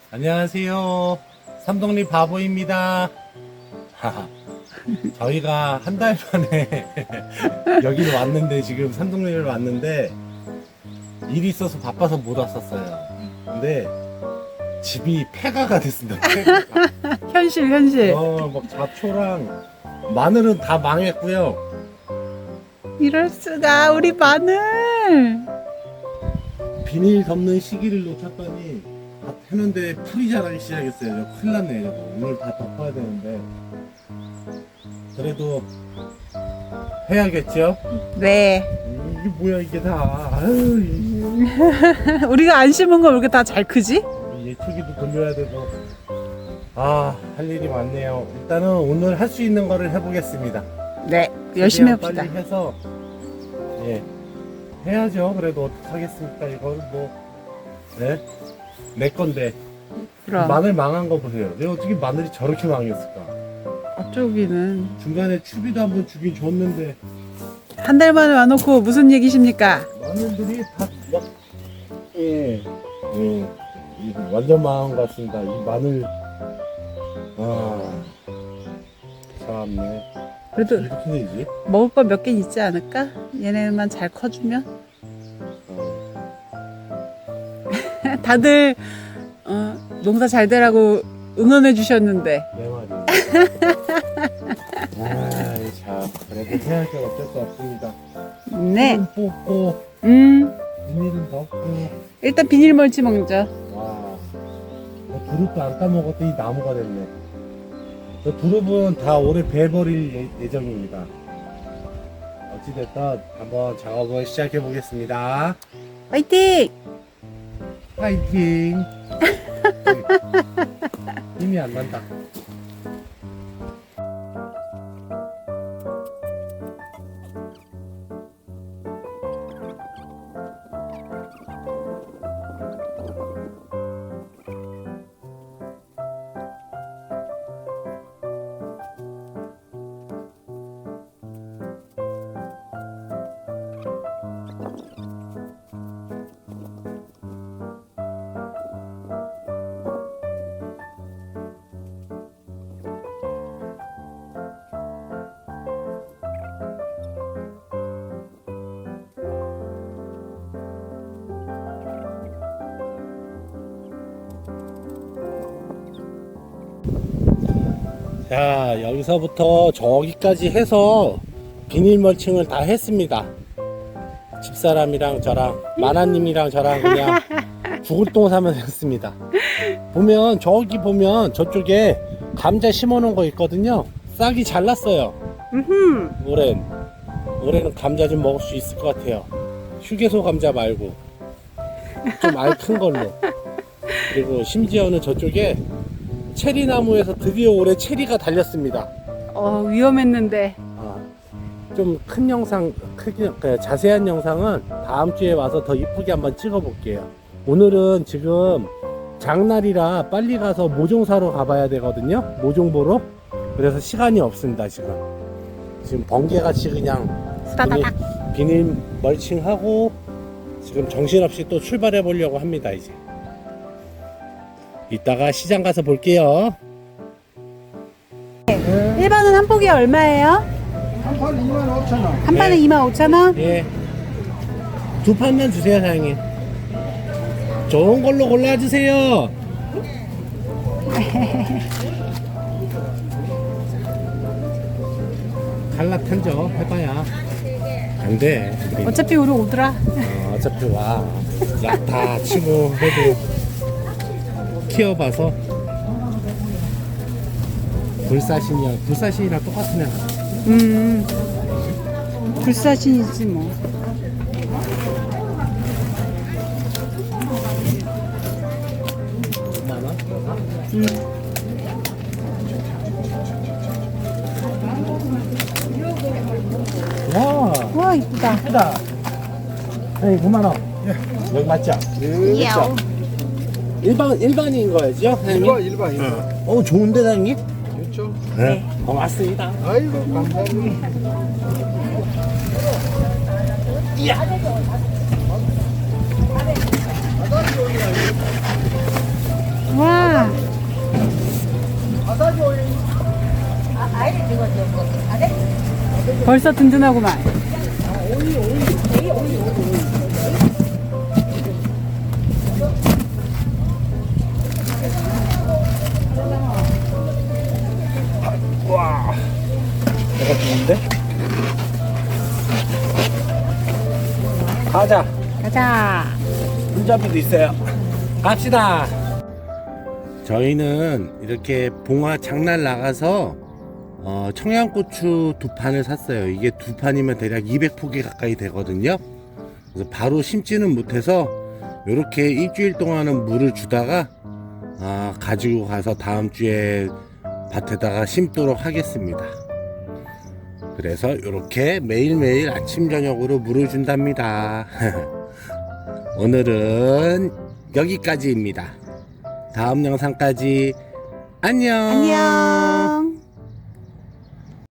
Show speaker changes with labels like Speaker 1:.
Speaker 1: 안녕하세요. 삼동리 바보입니다. 저희가 한 달 만에 여기를 왔는데, 지금 삼동리를 왔는데 일이 있어서 바빠서 못 왔었어요. 근데 집이 폐가가 됐습니다. 폐가가.
Speaker 2: 현실.
Speaker 1: 막 잡초랑 마늘은 다 망했고요.
Speaker 2: 이럴 수가, 우리 마늘.
Speaker 1: 비닐 덮는 시기를 놓쳤더니 다 했는데 풀이 자라기 시작했어요. 저 큰일 났네. 저거. 오늘 다 덮어야 되는데 그래도 해야겠죠?
Speaker 2: 네.
Speaker 1: 이게 뭐야 이게 다. 아유,
Speaker 2: 우리가 안 심은 거 왜 이렇게 다 잘 크지?
Speaker 1: 예초기도 돌려야 되고 할 일이 많네요. 일단은 오늘 할 수 있는 거를 해보겠습니다.
Speaker 2: 네. 열심히
Speaker 1: 최대한
Speaker 2: 합시다.
Speaker 1: 빨리 해서 해야죠. 그래도 어떡하겠습니까? 이걸 네? 내 건데.
Speaker 2: 그럼.
Speaker 1: 마늘 망한 거 보세요. 내가 어떻게 마늘이 저렇게 망했을까?
Speaker 2: 어쩌기는.
Speaker 1: 중간에 추비도 한번 주긴 줬는데
Speaker 2: 한 달 만에 와놓고 무슨 얘기십니까?
Speaker 1: 마늘들이 다 막 이거 완전 망한 것 같습니다. 이 마늘 참네.
Speaker 2: 그래도
Speaker 1: 이렇게 되지?
Speaker 2: 먹을 거 몇 개 있지 않을까? 얘네만 잘 커주면. 다들 농사 잘 되라고 응원해 주셨는데.
Speaker 1: 내 말이. 참 그래도 해야죠. 어쩔 수 없습니다.
Speaker 2: 네.
Speaker 1: 은 뽑고 비닐은 덮고.
Speaker 2: 일단 비닐 멀치 먹자.
Speaker 1: 두릅도 안 따먹었더니 나무가 됐네. 저 두릅은 다 올해 베버릴 예정입니다. 어찌됐든 한번 작업을 시작해 보겠습니다.
Speaker 2: 화이팅!
Speaker 1: 파이팅! 힘이 안 난다. 자, 여기서부터 저기까지 해서 비닐 멀칭을 다 했습니다. 집사람이랑 저랑 마나님이랑 저랑 그냥 죽을 똥 사면 했습니다. 보면 저기 보면 저쪽에 감자 심어놓은 거 있거든요. 싹이 잘 났어요. 올해는 감자 좀 먹을 수 있을 것 같아요. 휴게소 감자 말고 좀 알 큰 걸로. 그리고 심지어는 저쪽에 체리 나무에서 드디어 올해 체리가 달렸습니다.
Speaker 2: 위험했는데.
Speaker 1: 좀 큰 영상, 자세한 영상은 다음 주에 와서 더 이쁘게 한번 찍어 볼게요. 오늘은 지금 장날이라 빨리 가서 모종 사러 가봐야 되거든요. 모종 보러. 그래서 시간이 없습니다. 지금 번개같이 그냥
Speaker 2: 후다다닥.
Speaker 1: 비닐 멀칭하고 지금 정신없이 또 출발해 보려고 합니다. 이제 이따가 시장 가서 볼게요.
Speaker 2: 일반은 한 포기에 얼마예요?
Speaker 3: 한 판 25,000원.
Speaker 2: 한 판에
Speaker 1: 네.
Speaker 2: 25,000원?
Speaker 1: 예. 두 판만 주세요, 사장님. 좋은 걸로 골라주세요. 갈라탄죠. 해봐야. 안 돼.
Speaker 2: 어차피 우리 오더라.
Speaker 1: 어차피 와. 약 다 치고 해도 키워봐서. 불사신이랑 똑같은 애.
Speaker 2: 불사신이지 뭐.
Speaker 1: 많아?
Speaker 2: 와, 이쁘다.
Speaker 1: 예쁘다. 네, 9만원. 여기 맞죠?
Speaker 2: 이야.
Speaker 1: 일반인 거였죠? 사장님?
Speaker 3: 일반.
Speaker 1: 좋은데, 사장님?
Speaker 3: 그렇죠.
Speaker 1: 네. 고맙습니다.
Speaker 3: 아이고, 감사합니다.
Speaker 2: 와. 벌써 든든하구만.
Speaker 1: 와, 내가 좋은데? 가자.
Speaker 2: 가자.
Speaker 1: 손잡이도 있어요. 갑시다. 저희는 이렇게 봉화 장날 나가서 청양고추 2판을 샀어요. 이게 2판이면 대략 200포기 가까이 되거든요. 그래서 바로 심지는 못해서 이렇게 일주일 동안은 물을 주다가 가지고 가서 다음 주에 밭에다가 심도록 하겠습니다. 그래서 이렇게 매일매일 아침 저녁으로 물을 준답니다. 오늘은 여기까지입니다. 다음 영상까지 안녕.
Speaker 2: 안녕.